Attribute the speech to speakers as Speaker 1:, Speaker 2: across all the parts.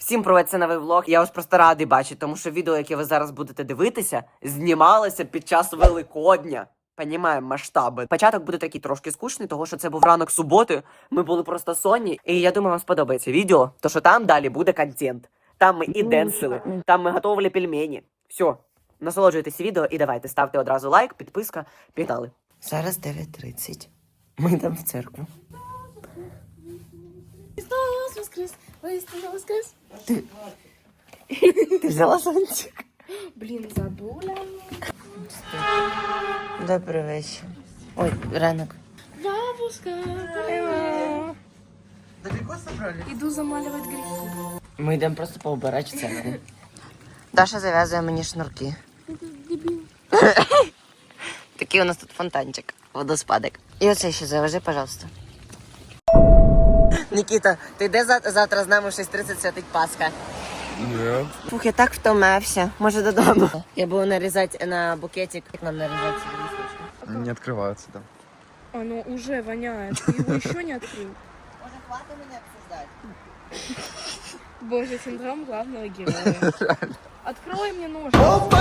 Speaker 1: Всім привет, це новий влог. Я вас просто радий бачити, тому що відео, яке ви зараз будете дивитися, знімалося під час Великодня. Понімаємо масштаби. Початок буде такий трошки скучний, тому що це був ранок суботи, ми були просто сонні. І я думаю, вам сподобається відео, тому що там далі буде контент. Там ми і денсили, там ми готували пельмені. Все, насолоджуйтесь відео і давайте, ставте одразу лайк, підписка, пігнали. Зараз 9:30. Ми йдемо в церкву.
Speaker 2: Христос воскрес! Воистину воскрес!
Speaker 1: Ти взяла зонтик?
Speaker 2: Блин, забула.
Speaker 1: Добрий вечір. Ой, ранок.
Speaker 2: Бабушка, привет!
Speaker 3: Далеко собрались?
Speaker 2: Иду замаливать грехи.
Speaker 1: Ми йдемо просто поубирати церкву. Даша зав'язує мені шнурки.
Speaker 2: Дебил.
Speaker 1: Такий у нас тут фонтанчик, водоспадик. І оце ще завяжи, пожалуйста. Нікіта, ти де завтра з нами в 6:30 святить Пасха?
Speaker 3: Нет.
Speaker 1: Фух, я так втомився. Може додому. Я буду нарізати на букетик. Як нам нарізати ці листочки?
Speaker 3: Не открывается, да.
Speaker 2: Оно уже воняет. Ты его еще не открыл.
Speaker 1: Може, хватить мене обсуждати?
Speaker 2: Боже, синдром главного героя. Открой мне нож.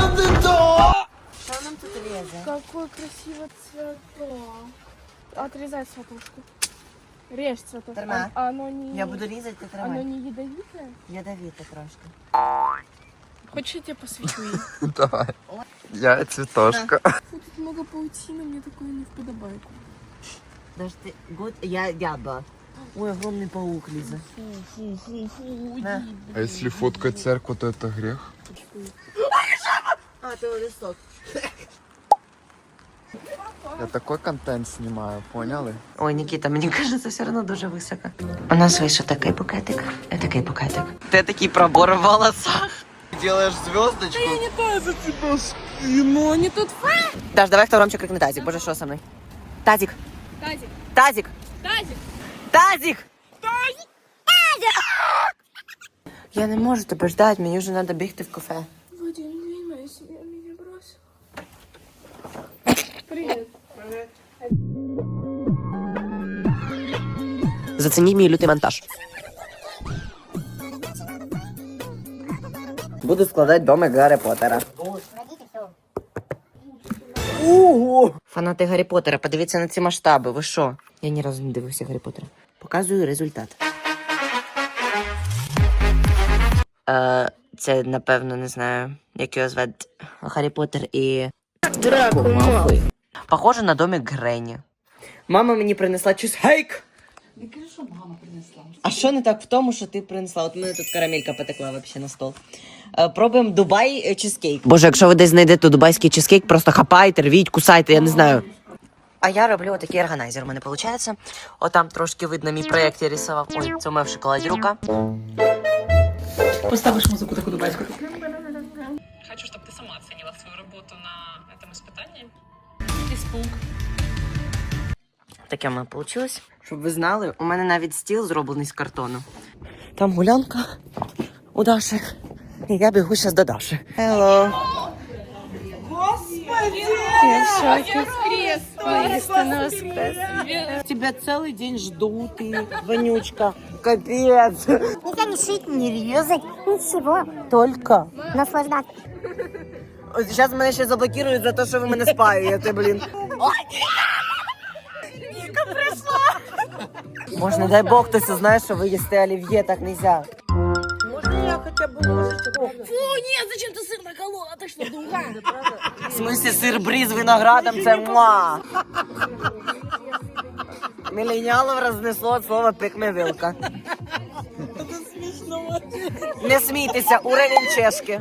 Speaker 1: Що нам тут різе?
Speaker 2: Какой красивый цветок. Отрезай цветушку. Режь цветок.
Speaker 1: Тормя.
Speaker 2: Оно не...
Speaker 1: Я буду різати, ти
Speaker 2: Оно
Speaker 1: тримай.
Speaker 2: не ядовитое?
Speaker 1: Ядовіте трошки.
Speaker 2: Хочешь, я тебе посвечу?
Speaker 3: Давай. Я цветошка.
Speaker 2: Фу, тут много паутины, мне такое не вподобает.
Speaker 1: Даже ти... Год... Я ба. Ой, огромний паук лізе.
Speaker 2: Фу,
Speaker 1: На.
Speaker 3: А если фоткать церковь, то это грех?
Speaker 1: А, це листок.
Speaker 3: Я такой контент снимаю, поняли?
Speaker 1: Ой, Нікіта, мені кажеться, все одно дуже високо. У нас вийшов такий букетик. Такий букетик. Ти такий пробор в волосах.
Speaker 3: Делаешь звездочку?
Speaker 2: Не то за тебя спину, не тут
Speaker 1: Даш, давай хто громче крикне тазик. Боже, що со мною? Тазик.
Speaker 2: тазик,
Speaker 1: Тазик.
Speaker 2: тазик.
Speaker 1: Тазик. Тазик. Я не можу тебе ждати, мені вже треба бігти в кафе.
Speaker 2: В один день моя семья меня бросила. Привет.
Speaker 1: Зацініть мій лютий монтаж. Буду складати домик Гаррі Поттера. Ого! Фанати Гаррі Поттера, подивіться на ці масштаби, ви що? Я ні разу не дивився Гаррі Поттера. Показую результат. Це, напевно, не знаю, як його звати, Гаррі Поттер і...
Speaker 2: Драко Малфой.
Speaker 1: Похоже на домик Гренні. Мама мені принесла чизкейк.
Speaker 4: Не кажи, що мама принесла.
Speaker 1: А що не так в тому, що ти принесла? От у мене тут карамелька потекла вообще на стол. Пробуємо Дубай чизкейк. Боже, якщо ви десь знайдете дубайський чизкейк, просто хапайте, рвіть, кусайте, я не знаю. А я роблю отакий органайзер, у мене виходить. Отам трошки видно мій проєкт, я рисував. Ой, це у мене в шоколаді рука.
Speaker 4: Поставиш музику таку дубайську.
Speaker 5: Хочу, чтобы ты сама оценила свою работу на этом испытании. Испуг.
Speaker 1: Таке в мене вийшло. Щоб ви знали, у мене навіть стіл зроблений з картону. Там гулянка у Даші. І я бігу зараз до Даші. Hello. Тебя целый день ждут, и вонючка. Капец.
Speaker 6: Не кончить, не резать, ничего.
Speaker 1: Только.
Speaker 6: Наслаждаться.
Speaker 1: Сейчас мене ще заблокирують за те, що ви мене спаюєте, блін. Ніка прийшла. Може, не дай Бог, хтось узнає, що ви їсте олів'є, так нельзя. Можна я хоча б ложечку?
Speaker 2: Фу, нет, зачем ты сыр наколола? Ты что, дура?
Speaker 1: В смысле сир брі з виноградом, це муа. Міленіалів рознесло слово пикмевилка. Не смійтеся, уровень чешки.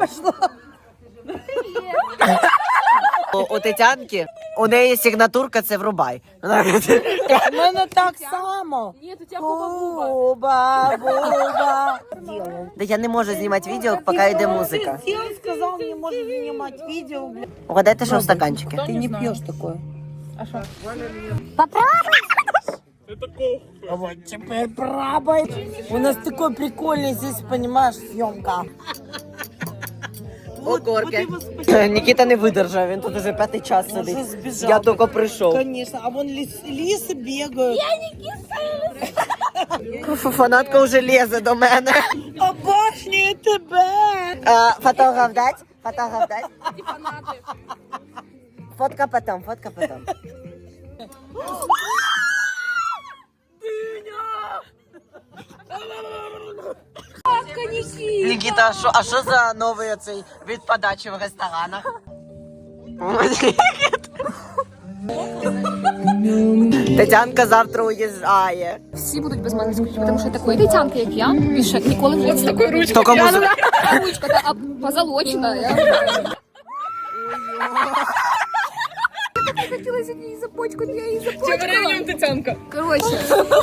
Speaker 1: У Тетянки, у неї сигнатурка, це врубай. У мене так само.
Speaker 2: Нет, у тебя хуба-буба.
Speaker 1: Буба. Да я не можу знімати відео, поки йде музика.
Speaker 4: Він сказав, не може знімати відео, бля.
Speaker 1: Угадайте, що в стаканчике.
Speaker 4: Ти не п'єш такое.
Speaker 6: Попробуй.
Speaker 4: Вот теперь пробуй. У нас такой прикольный здесь, понимаешь, съемка.
Speaker 1: Окорки. Нікіта не видержав, він тут уже 5-й час
Speaker 4: Уже
Speaker 1: сидить.
Speaker 4: сбежал.
Speaker 1: Я тільки прийшов.
Speaker 4: Конечно, а вон лисы бегают.
Speaker 1: Фанатка вже лізе до мене.
Speaker 4: Оба! Обожнюю тебе.
Speaker 1: Фотограф дать? Фотограф дать?
Speaker 2: И фанаты.
Speaker 1: Фотка потом, фотка потом. Никита, а що за новий оцей від подачі в ресторанах? Тетянка завтра уїжджає.
Speaker 2: Всі будуть без мене скучати, тому що такої Тетянки, як я, більше ніколи в житті з такою ручкою.
Speaker 1: Тільки музика.
Speaker 2: Ручка та позолочена. Я хотілося її започкати, я її започкала.
Speaker 5: Тетянка.
Speaker 2: Короче.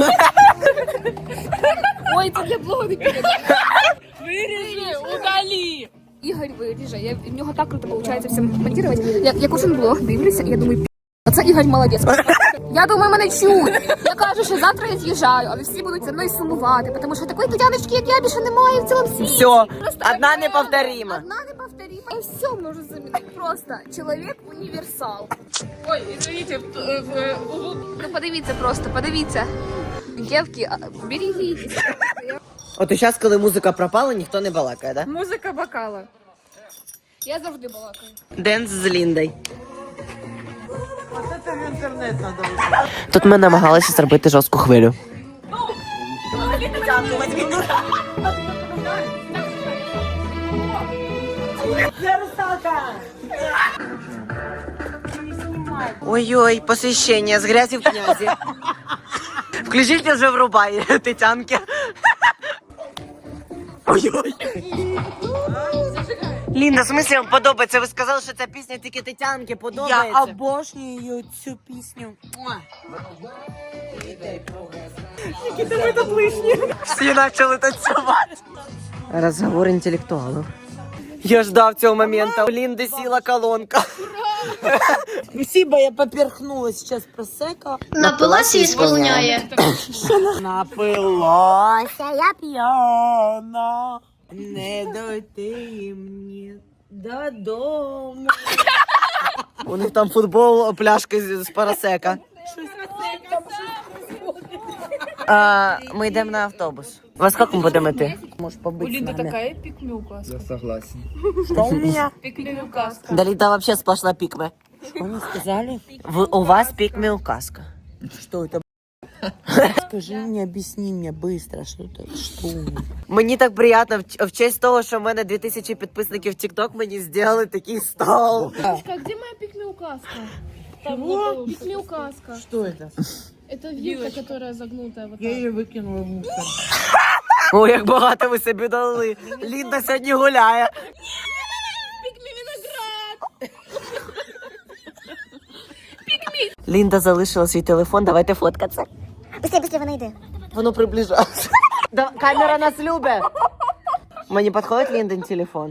Speaker 2: Ой, це для блогу не піде.
Speaker 5: Виріжи, удалі.
Speaker 2: Ігор виріже, в нього так круто виходить все монтувати. Я кожен блог дивлюся, і я думаю, оце Ігор молодець. Я думаю, мене чують. Я кажу, що завтра я з'їжджаю, але всі будуть за мною сумувати, тому що такої Тетяночки, як я, більше немає в цілому світі.
Speaker 1: Все,
Speaker 2: Просто
Speaker 1: одна неповторима.
Speaker 2: Одна неповторима. Я все можу замінити. Просто чоловік універсал.
Speaker 5: Ой, извините,
Speaker 2: Ну подивіться просто, подивіться. Дівки, берегіть.
Speaker 1: От і зараз, коли музика пропала, ніхто не балакає, да?
Speaker 2: Музика бокала. Я завжди балакаю.
Speaker 1: Денс з Ліндою. Тут ми намагалися зробити жорстку хвилю. Ой-ой, посвящение с грязи в князи. Включите вже врубай, Тетянки. Ой-ой. Лінда, в смысле вам подобається? Ви сказали, що ця пісня тільки Тетянки подобається.
Speaker 4: Я обожнюю цю пісню.
Speaker 1: Всі почали танцювати. Розговор інтелектуалів. Я ждав цього моменту. У Лінди сіла колонка.
Speaker 4: Спасибо, я поперхнулась сейчас просека.
Speaker 7: Напилася і сповняє.
Speaker 4: Напилася я п'яна, не дойти мені додому.
Speaker 1: У них там футбол, пляшки з парасека. Ми йдемо на автобус. Во скільки ми будемо йти?
Speaker 4: Можешь побыть с нами.
Speaker 2: такая пикмюка.
Speaker 3: Я согласен.
Speaker 4: Что у меня?
Speaker 2: Пикмюка.
Speaker 1: Да Ліда вообще сплошна пікме.
Speaker 4: Что они сказали?
Speaker 1: У вас пікме указка.
Speaker 4: Что это? Скажи мне, объясни мне быстро, что это, что?
Speaker 1: Мені так приємно, в честь того, що в мене 2000 підписників в TikTok, мені зробили такий стол.
Speaker 2: Где моя пикмюкаска?
Speaker 4: Чего?
Speaker 2: Пикмюкаска.
Speaker 4: Что это?
Speaker 2: Это вилка, которая загнутая вот
Speaker 4: Я ее выкинула в мусор.
Speaker 1: О, як багато ви собі дали. Лінда сьогодні гуляє. Лінда залишила свій телефон, давайте фоткатися.
Speaker 6: Быстрее, вона йде.
Speaker 1: Воно приближається. Камера нас любить. Мені підходить Ліндин телефон.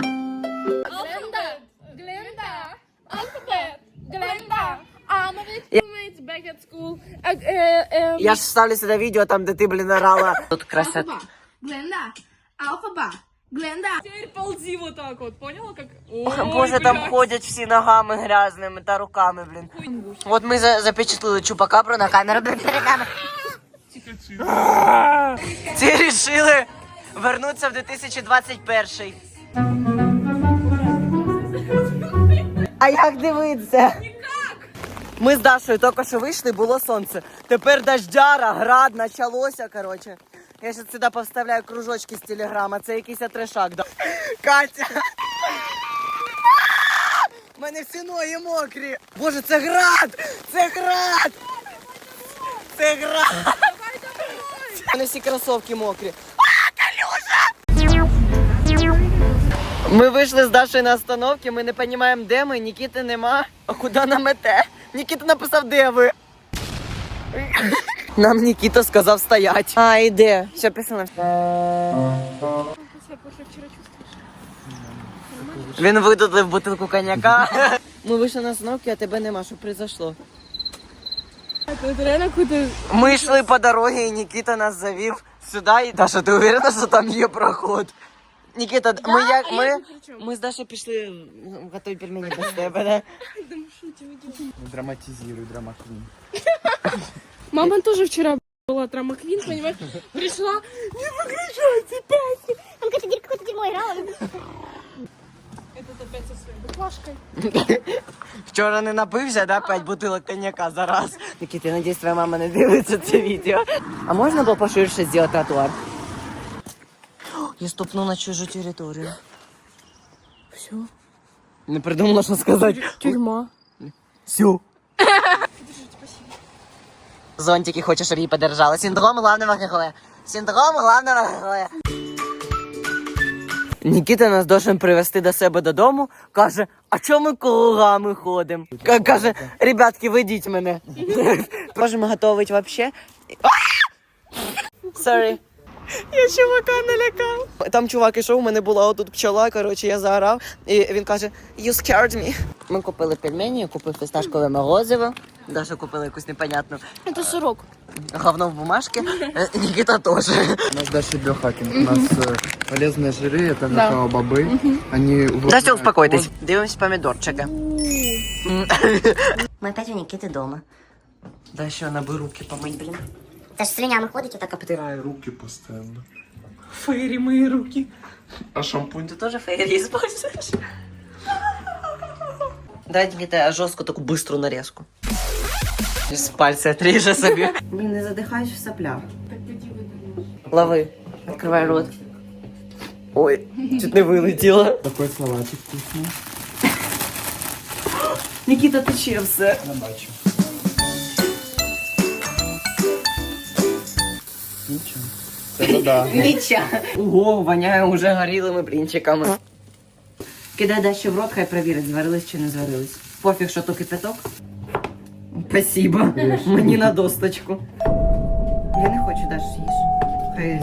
Speaker 2: Глenda, alphabet, Glenda, roommates back at school.
Speaker 1: Я ж вставлю сюди відео, там, де ти, блін, орала. Тут красота.
Speaker 2: Glenda, alphabet, Glenda.
Speaker 5: Теперь ползи вот так вот, поняла как?
Speaker 1: Боже, там ходять всі ногами грязними та руками, блін. От ми запечатлили чупакабру на камеру, блін, перед нами. Ці рішили вернутися в 2021. А як дивитися? Ми з Дашою тільки що вийшли, було сонце. Тепер дождяра, град, почалося, коротше. Я ще сюди повставляю кружочки з телеграма, це якийсь трешак. Да. Катя! У мене всі ноги мокрі. Боже, це град! Це град! Це град! У мене всі кросовки мокрі. Калюша! Ми вийшли з Дашою на остановці, ми не розуміємо, де ми, Нікіти нема. А куди нам іти? Нікіта написав, де ви. Нам Нікіта сказав стоять. А, іде. Все писано. Він видудлив бутилку коньяка. Ми вийшли на остановку, а тебе нема, що произошло. Ми йшли по дорозі, і Нікіта нас завів сюди. І... Даша, ти уверена, що там є проход? Нікіта, ми з Дашою пішли готові пельмені без тебе, да?
Speaker 3: Драматизируй, драмаквин.
Speaker 2: Мама тоже вчера была трамаквин, понимаешь? Пришла,
Speaker 6: Он говорит, какое-то дерьмо
Speaker 1: Вчора не напився, да? 5 бутилок коньяка за раз. Никита, я надіюсь, твоя мама не дивиться це відео. А можна було поширше зробити тротуар? Я ступну на чужу територію. Все. Не придумала, що сказати.
Speaker 2: Тюрьма.
Speaker 1: Все. Зонтики хоче, щоб її подержали. Синдром главного героя. Синдром главного героя. Нікіта нас должен привезти до себе додому. Каже, а чому ми кругами ходимо? Каже, ребятки, ведіть мене. Можемо готувати вообще. Sorry. Я чувака налякав. Там чувак ішов, у мене була отут пчола, коротше, я заграв. І він каже, you scared me. Ми купили пельмені, я купив фісташкове морозиво. Даша купила якусь непонятну
Speaker 2: Це сирок.
Speaker 1: говно в бумажке. Никита тоже.
Speaker 3: У нас дальше биохакинг. У нас полезные жиры, это какао-бобы. Они...
Speaker 1: Дася, успокойтесь. Дивимось помідорчики. Ми опять у Никиты дома. Да еще надо бы руки помыть, блин.
Speaker 6: Це ж слинями ходить, отак
Speaker 3: Потираю руки постоянно.
Speaker 1: Фейри мои руки.
Speaker 3: А шампунь?
Speaker 1: Ты тоже фейри используешь? Дай Никита жестко такую быструю нарезку. С пальца отрежу себе. Блин, не задыхаюсь в соплях. Лови. Открывай рот. Ой, чуть не вылетело.
Speaker 3: Такой салатик вкусный.
Speaker 1: Никита, ты чем все?
Speaker 3: На бачу. Ничего. Это да.
Speaker 1: Ніча. Ого, воняє уже горілими блінчиками. Кидай Даші в рот, хай перевірить, зварились чи не зварились. Пофіг, що то кипяток. Спасибо. Мені на досточку. Я не хочу Даш їж. Хай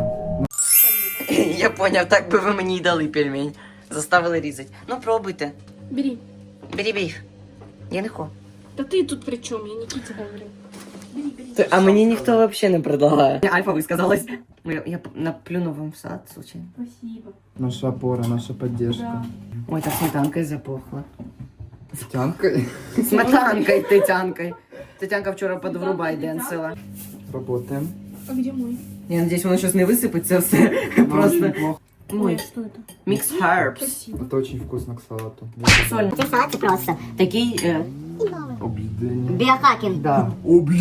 Speaker 1: я поняв, так би ви мені й дали пельмень. Заставили різати. Ну, пробуйте.
Speaker 2: Бери.
Speaker 1: Бери. Я не хочу.
Speaker 2: Та ти тут при чому? Я Нікіті говорю.
Speaker 1: А мені ніхто взагалі не предлагає. Альфа висказалась. Я наплюну вам в сад, случайно.
Speaker 2: Спасибо.
Speaker 3: Наша опора, наша поддержка.
Speaker 1: Ой, так сметанкой запахло.
Speaker 3: Тянкой.
Speaker 1: Сметанкой, Тетянкой. Тетянка вчора под врубай денсила.
Speaker 3: Работаем.
Speaker 2: А где мой?
Speaker 1: Я надеюсь, воно щось не висипеться все. Просто.
Speaker 3: Неплохо.
Speaker 1: Ой,
Speaker 2: Что это?
Speaker 1: мікс herbs.
Speaker 2: Спасибо.
Speaker 3: Это очень вкусно к салату.
Speaker 1: Соль.
Speaker 6: Це салат просто.
Speaker 1: Такий.
Speaker 3: Обледение.
Speaker 6: Біохакінг.
Speaker 1: Да.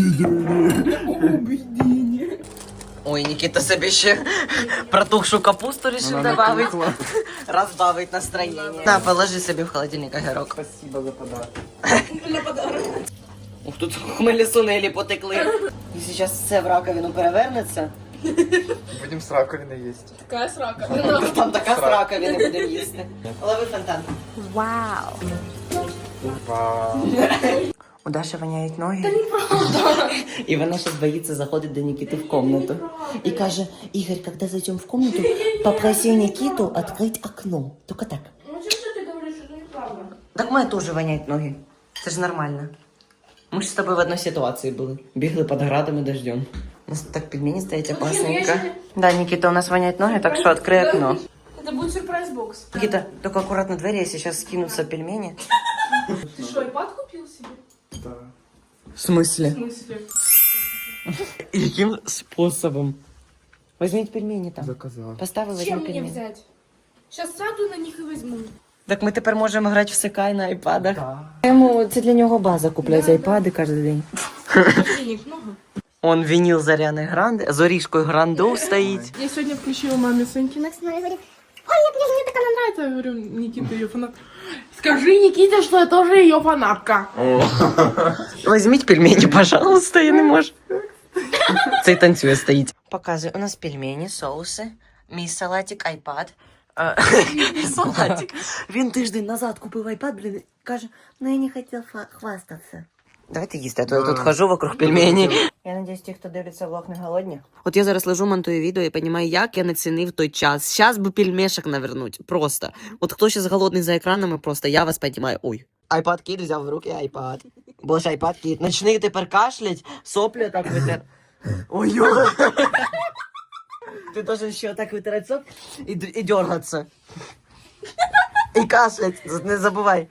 Speaker 3: Обледение.
Speaker 1: Ой, Нікіта собі ще протухшу капусту рішив добавить. Розбавить настроєння. На, положи собі в холодильник огірок.
Speaker 3: Спасибо за подарок.
Speaker 1: Ух, тут хмелі сунелі потекли. І зараз все в раковину перевернеться.
Speaker 3: Будем с раковины есть.
Speaker 2: Какая срака?
Speaker 1: Там така з раковини будемо їсти. Лови фонтан.
Speaker 6: Вау.
Speaker 3: Вау.
Speaker 1: У Даші воняють ноги. Та неправда. І вона щось боїться заходить до Нікіти в комнату. І каже, Ігор, коли зайдемо в комнату, попроси Нікіту відкрити окно. Тільки так.
Speaker 2: Ну что ты говоришь, что это неправда?
Speaker 1: Так в мене теж воняють ноги. Це ж нормально. Ми ж з тобою в одній ситуації були. Бігли під градом і дождем. У нас так пельмені стоять опасненько. Да, Нікіта, у нас воняють ноги, так що відкрий окно.
Speaker 2: Это будет сюрприз-бокс.
Speaker 1: Нікіта, тільки акуратно двері, якщо зараз скинуться пельмені.
Speaker 2: Ты что, iPad купил себе?
Speaker 3: Да.
Speaker 1: В смысле?
Speaker 2: В смысле?
Speaker 1: Яким способом? Возьміть пельмені там.
Speaker 3: Заказал.
Speaker 1: Поставили
Speaker 2: Чем
Speaker 1: возьміть
Speaker 2: мне
Speaker 1: пельмені.
Speaker 2: взять? Сейчас сяду на них и возьму.
Speaker 1: Так ми тепер можемо грати в Секай на айпадах. Йому це для нього база купляти айпади кожен день.
Speaker 2: Денег много.
Speaker 1: Он вініл Заряни Гранде, з Орішкою Гранду стоїть.
Speaker 2: Я сегодня включила маме Соньки.
Speaker 6: Максим говорить,
Speaker 2: Мне так она нравится. Я говорю, Никита ее фанат. Скажи Никите, что я тоже ее фанатка.
Speaker 1: Візьміть пельмені, пожалуйста, я не можу. Цей танцює стоїть. Показує, у нас пельмені, соуси, мій салатик, айпад. Салатик. Він тиждень назад купив айпад, блін, каже,
Speaker 6: ну я не хотів хвастатися.
Speaker 1: давайте їсти, а то я тут хожу вокруг пельмені. Я надіюсь, ті, хто дивиться влог, не голодні. От я зараз лежу, монтую відео і розумію, як я не цінив той час. Щас би пельмешок навернуть, просто. От хто зараз голодний за екранами, просто я вас розумію. Ой. Айпад кіт взяв в руки айпад. Бо ж айпад кіт. Начни тепер кашлять, соплі так витер. Ой-ой. Ти должен ще так витирати соп і дергатися. І кашлять, не забувай.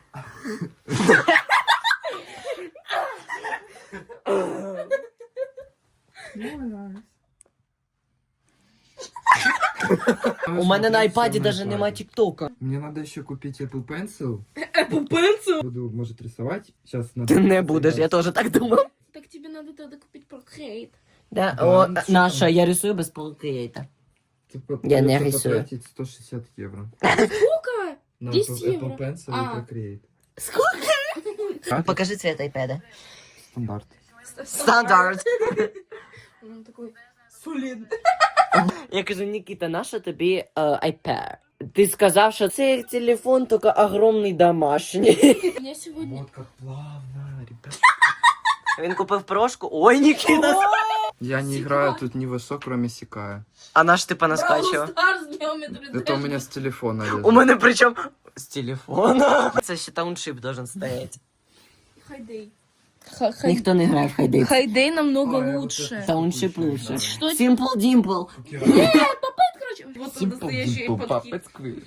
Speaker 1: У мене на айпаді навіть нема тіктока.
Speaker 3: Мне надо еще купить Apple Pencil.
Speaker 2: Apple Pencil?
Speaker 3: Буду, может, рисовать. Сейчас надо...
Speaker 1: Ти не будеш, я теж так думав.
Speaker 2: Так тебе надо тогда купить Procreate.
Speaker 1: Да?
Speaker 3: Да,
Speaker 1: О,
Speaker 3: нічого.
Speaker 1: Наша, я рисую без полкрейта.
Speaker 3: Типа,
Speaker 1: Я не
Speaker 3: придется
Speaker 1: рисую.
Speaker 3: потратить 160 евро.
Speaker 2: Сколько?
Speaker 3: На
Speaker 2: 10
Speaker 3: Apple
Speaker 2: евро.
Speaker 3: Pencil
Speaker 2: А.
Speaker 3: и Procreate.
Speaker 1: Сколько? Покажи цвет айпеда.
Speaker 3: Стандарт.
Speaker 1: Стандарт.
Speaker 2: Он такой солидный.
Speaker 1: Я кажу, Нікіта, нащо тобі айпед? Ти сказав, що цей телефон тільки огромний домашній.
Speaker 2: Я сегодня...
Speaker 3: Вот как плавно, ребят.
Speaker 1: Він купив прошку. Ой, Нікіта.
Speaker 3: Я не играю тут ни во что, кроме Сикая.
Speaker 1: А наш ти понаскачував?
Speaker 2: Stars Geometry
Speaker 3: Это у меня с телефона лезет.
Speaker 1: У мене причому з телефона. Це ще тауншип должен стоять.
Speaker 2: Хайдей.
Speaker 1: Ніхто не грає в хайдей.
Speaker 2: Хайдей намного
Speaker 3: Ой,
Speaker 2: лучше.
Speaker 1: Тауншип лучше.
Speaker 2: Что это?
Speaker 1: Simple Dimple.
Speaker 2: Короче, вот он настоящий подкид.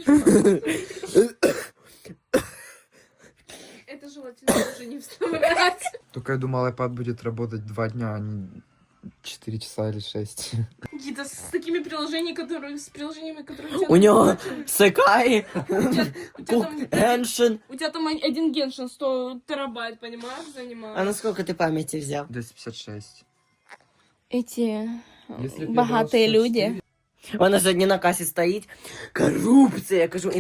Speaker 2: Это желательно уже не вставлять.
Speaker 3: Только я думал, iPad будет работать 2 дня, а не 4 часа или 6.
Speaker 2: Какие-то с такими приложениями, которые...
Speaker 1: У нього Секай,
Speaker 2: У тебя там...
Speaker 1: Геншин.
Speaker 2: У тебя там один геншин 100 терабайт, понимаешь, занимает.
Speaker 1: А наскільки ти пам'яті взяв?
Speaker 3: 256.
Speaker 2: Эти
Speaker 3: Если б я
Speaker 2: богатые
Speaker 3: брал 64,
Speaker 2: люди.
Speaker 1: Вона сьогодні на касі стоїть. Корупція, я кажу,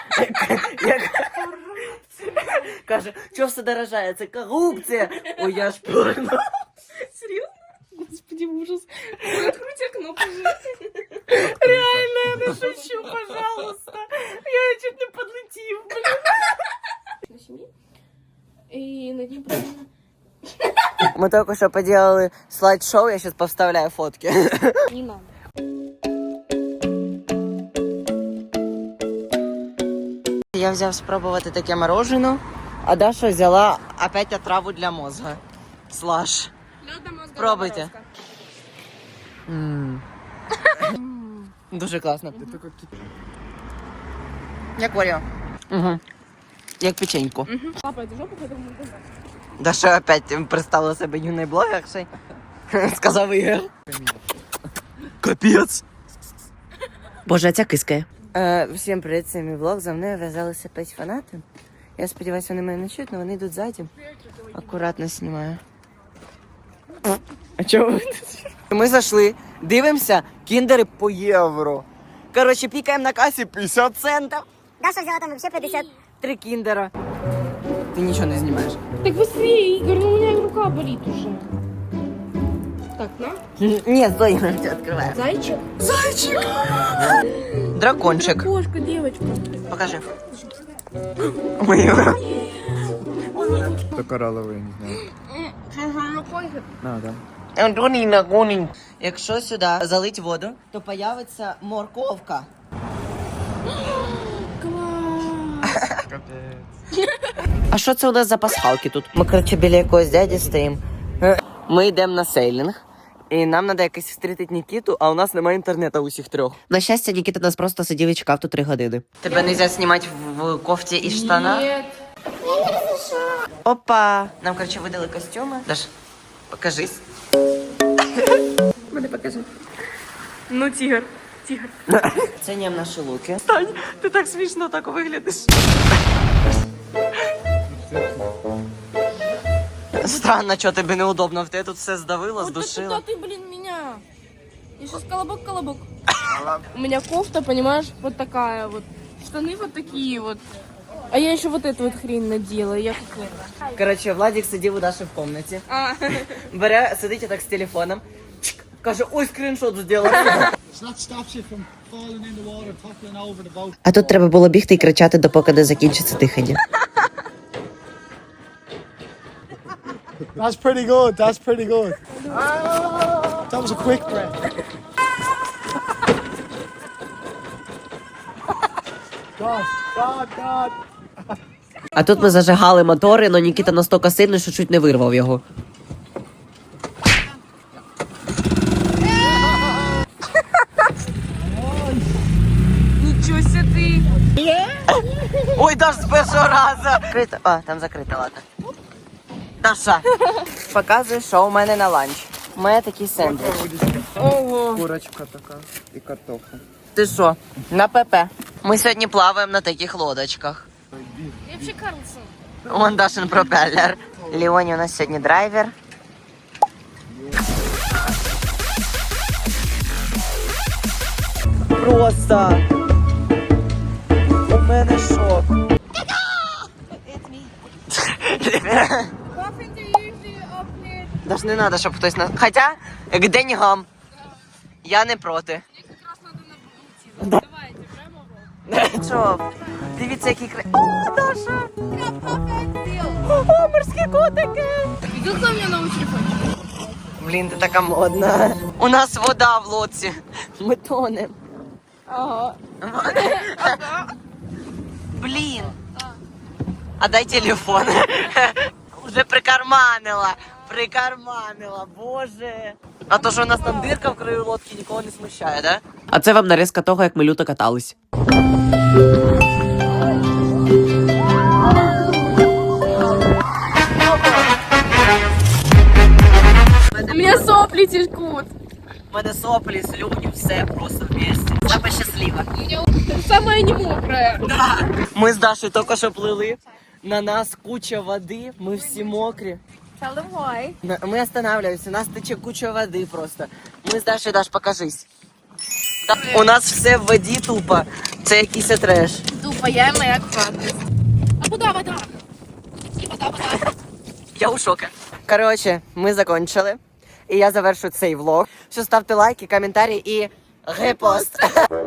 Speaker 1: Каже, що все дорожає? Це корупція. Ой, я ж порно.
Speaker 2: Серьезно? Господи, ужас. Откройте окно, пожалуйста. Реально, я не шучу, пожалуйста. Я чуть не подлетів, блин. На семье. И на день правильно.
Speaker 1: Ми тільки що поделали слайд-шоу, я зараз повставляю фотки.
Speaker 2: Не надо.
Speaker 1: Я взяв спробувати таке мороженое, а Даша взяла опять отраву для мозга. Слаш. Пробуйте. Дуже класно.
Speaker 3: Это как
Speaker 1: Як Оріо. Угу. Як печеньку.
Speaker 2: Папа, это жопа, поэтому мы не знаем.
Speaker 1: Даша опять представила себе юний блогершей. Сказав Ігор. Капець. Боже, а ця кискає. Всім привіт, це мій влог. За мною в'язалися 5 фанати. Я сподіваюся, вони мене не чують, але вони йдуть ззаді. Акуратно знімаю. А чого ви тут? Ми зайшли, дивимося, кіндери по євро. Коротше, пікаємо на касі 50 центів.
Speaker 6: Даша взяла там вообще 50.
Speaker 1: 3 кіндера. Ти нічого не знімаєш.
Speaker 2: Так быстрее, Игорь, ну у меня рука болит уже. Так, на.
Speaker 1: Ні, стой, я тебе відкриваю.
Speaker 2: Зайчик?
Speaker 1: Дракончик.
Speaker 2: Кошка, девочка.
Speaker 1: Покажи. Ой,
Speaker 3: это коралловые, не знаю. А, да.
Speaker 1: Антоніна, гонінь. Якщо сюди залить воду, то появиться морковка. А що це у нас за пасхалки тут? Ми, коротше, біля якогось дяді стоїмо. Ми йдемо на сейлінг. І нам треба якось встрітити Нікіту, а у нас немає інтернету усіх трьох. На щастя, Нікіта нас просто сидів і чекав тут 3 години. Тебе не можна знімати в кофті і штанах?
Speaker 2: Нет.
Speaker 1: Опа! Нам, короче, видали костюми. Даш, покажись.
Speaker 2: Мене покажи. Ну, тигр. Тигр.
Speaker 1: Ціням наші луки. Стань, ти так смішно так виглядиш. Странно, що тобі неудобно. В тебе тут все здавило,
Speaker 2: Вот
Speaker 1: здушило.
Speaker 2: ты, блин, меня. Я сейчас колобок. У меня кофта, понимаешь, вот такая вот. Штаны вот такие вот. А я еще вот эту вот хрень надела. Я как...
Speaker 1: Короче, Владик сидів у Даші в комнаті.
Speaker 2: А,
Speaker 1: Бере, сидить так з телефоном. Чик, каже, ой, скріншот зробила. А тут треба було бігти і кричати, допоки не закінчиться дихання.
Speaker 8: That's pretty good. That's pretty good. That was a quick breath. God.
Speaker 1: А тут ми зажигали мотори, але Нікіта настільки сильний, що чуть не вирвав його.
Speaker 2: ничего себе ты.
Speaker 1: Ой, Даш, з першого разу. Закрито. А, там закрито, ладно. Даша. Показуй, що у мене на ланч. У мене такий сендвіч.
Speaker 2: Ого.
Speaker 3: Курочка такая и картофель.
Speaker 1: Ти що? На ПП. Ми сьогодні плаваємо на таких лодочках.
Speaker 2: Я взагалі Карлсон.
Speaker 1: Вон Дашин пропеллер. Леоні у нас сьогодні драйвер. Просто у мене шок. Даш не треба, щоб хтось на... Хоча, к деньгам. Я не проти. Що? Дивіться, який кра... О, Даша! О, морські котики!
Speaker 2: Видел, меня на телефон?
Speaker 1: Блін, ти така модна. У нас вода в лодці. Ми тонем.
Speaker 2: Ага.
Speaker 1: Блін. А дай телефон. Уже прикарманила. Прикарманила, боже. А то, що у нас там дирка в краю лодки, нікого не смущає, да? А це вам нарізка того, як ми люто катались.
Speaker 2: У меня сопли текут.
Speaker 1: У мене соплі, слюні, все просто вместе. Саме щаслива.
Speaker 2: Самая не мокрая.
Speaker 1: Ми з Дашою тільки що плили. На нас куча води, ми всі мокрі.
Speaker 2: Tell them why.
Speaker 1: Мы останавливаемся, у нас тече куча води просто. Ми з Дашою, Даш, покажись. У нас все в воді тупо. Це якийсь треш.
Speaker 2: Тупо, я моя квадрость. А куда вода? Вода.
Speaker 1: Я у шокі. Коротше, ми закончили. І я завершу цей влог. Що ставте лайки, коментарі і репост.